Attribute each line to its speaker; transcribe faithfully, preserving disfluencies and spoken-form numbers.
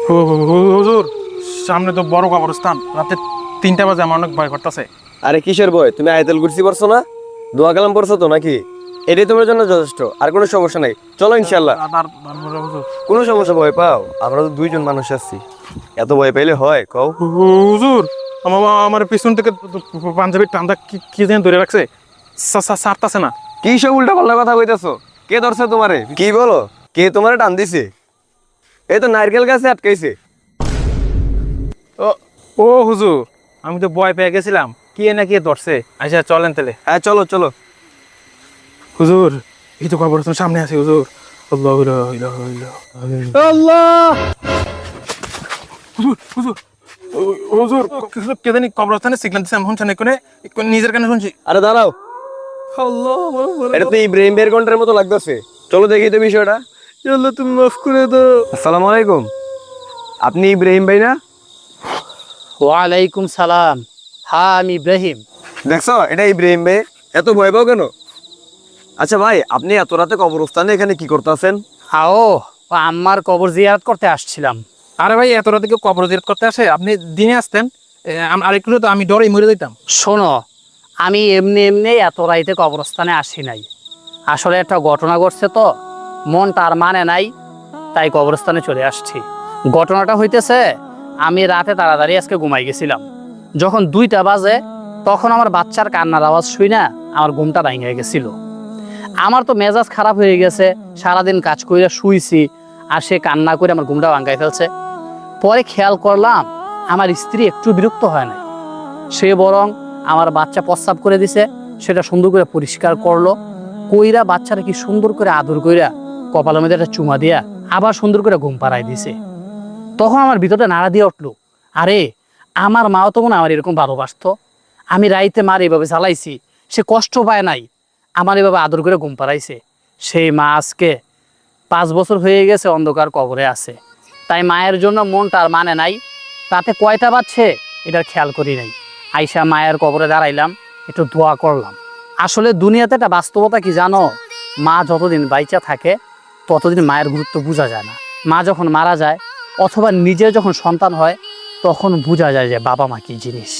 Speaker 1: হুজুর সামনে তো বড় কবরস্থান, রাতে তিনটা বাজে আমার অনেক ভয় করতেছে।
Speaker 2: আরে কিসের ভয়? তুমি আয়াতুল কুরসি পড়ছো না? দোয়া কালাম পড়ছো তো নাকি? এটাই তোমার জন্য যথেষ্ট, আর কোনো সমস্যা নাই। চলো ইনশাল্লাহ।
Speaker 1: হুজুর
Speaker 2: কোনো সমস্যা ভয় পাও? আমরা তো দুইজন মানুষ আছি, এত ভয় পাইলে হয় কও?
Speaker 1: হুজুর আমার আমার পিছন থেকে পাঞ্জাবির টান্দা কি কি যেন ধরে রাখছে, সারতাছে না।
Speaker 2: কি সব উল্টা পাল্টা কথা কইতাছো? কে ধরছে তোমারে? কি বলো? কে তোমারে টান দিছে? এই তো নারকেল গাছে আটকাইছে।
Speaker 1: ও ও হুজুর, আমি তো ভয় পেয়ে গেছিলাম, কে না কে ধরছে। আচ্ছা চলেন তাহলে।
Speaker 2: হ্যাঁ চলো চলো।
Speaker 1: হুজুর এই তো কবরস্থান সামনে আছে হুজুর। আল্লাহ আল্লাহ হুজুর হুজুর হুজুর কে জানি কবরস্থানে সিগন্যাল দিচ্ছে, আমি শুনছি না, কোনে নিজের কানে শুনছি।
Speaker 2: আরে দাঁড়াও, এটা তো ইব্রাহিম বের ঘন্টার মতো লাগতেছে। চলো দেখি তো বিষয়টা।
Speaker 1: আল্লাহ তুমি মাফ করে দাও।
Speaker 2: আসসালামু আলাইকুম, আপনি ইব্রাহিম ভাই না?
Speaker 3: ওয়ালাইকুম সালাম। হ্যাঁ আমি ইব্রাহিম।
Speaker 2: দেখছো এটা ইব্রাহিম ভাই, এত ভয় পাও কেন? আচ্ছা ভাই, আপনি এত রাতে কবরস্থানে এখানে কি করতেছেন?
Speaker 3: হাও, ও আম্মার কবর জিয়ারত করতে আসছিলাম।
Speaker 1: আরে ভাই এত রাতে কেউ কবর জিয়ারত করতে আসে? আপনি দিনে আসতেন, এ, আম- আর একটু তো আমি ডরে মরে যেতাম।
Speaker 3: শোনো, আমি এমনি এমনি এত রাইতে কবরস্থানে আসি নাই। আসলে একটা ঘটনা ঘটছে তো, মন তার মানে নাই, তাই কবরস্থানে চলে আসছি। ঘটনাটা হইতেছে, আমি রাতে তাড়াতাড়ি আজকে ঘুমাই গেছিলাম। যখন দুইটা বাজে তখন আমার বাচ্চার কান্নার আওয়াজ শুই না, আমার ঘুমটা ভাঙে গেছিল। আমার তো মেজাজ খারাপ হয়ে গেছে, সারাদিন কাজ করে শুইছি, আর সে কান্না করে আমার ঘুমটা ভাঙাই ফেলছে। পরে খেয়াল করলাম আমার স্ত্রী একটু বিরক্ত হয় না, সে বরং আমার বাচ্চা প্রস্রাব করে দিছে, সেটা সুন্দর করে পরিষ্কার করলো, কইরা বাচ্চাটা কি সুন্দর করে আদর কইরা কপালের মধ্যে একটা চুমা দিয়া আবার সুন্দর করে ঘুম পাড়াই দিছে। তখন আমার ভিতরটা নাড়া দিয়ে উঠলো, আরে আমার মাও তো মনে হয় আমার এরকম ভালোবাসতো। আমি রাইতে মার এভাবে জ্বালাইছি, সে কষ্ট পায় নাই, আমার এভাবে আদর করে ঘুম পাড়াইছে। সেই মা আজকে পাঁচ বছর হয়ে গেছে অন্ধকার কবরে আছে। তাই মায়ের জন্য মন তার মানে নাই, তাতে কয়টা বাজছে এটার খেয়াল করি নাই। আইসা মায়ের কবরে দাঁড়াইলাম, একটু দোয়া করলাম। আসলে দুনিয়াতে একটা বাস্তবতা কি জানো, মা যতদিন বাইচা থাকে ততদিন মায়ের গুরুত্ব বোঝা যায় না। মা যখন মারা যায় অথবা নিজের যখন সন্তান হয় তখন বোঝা যায় যে বাবা মা কি জিনিস।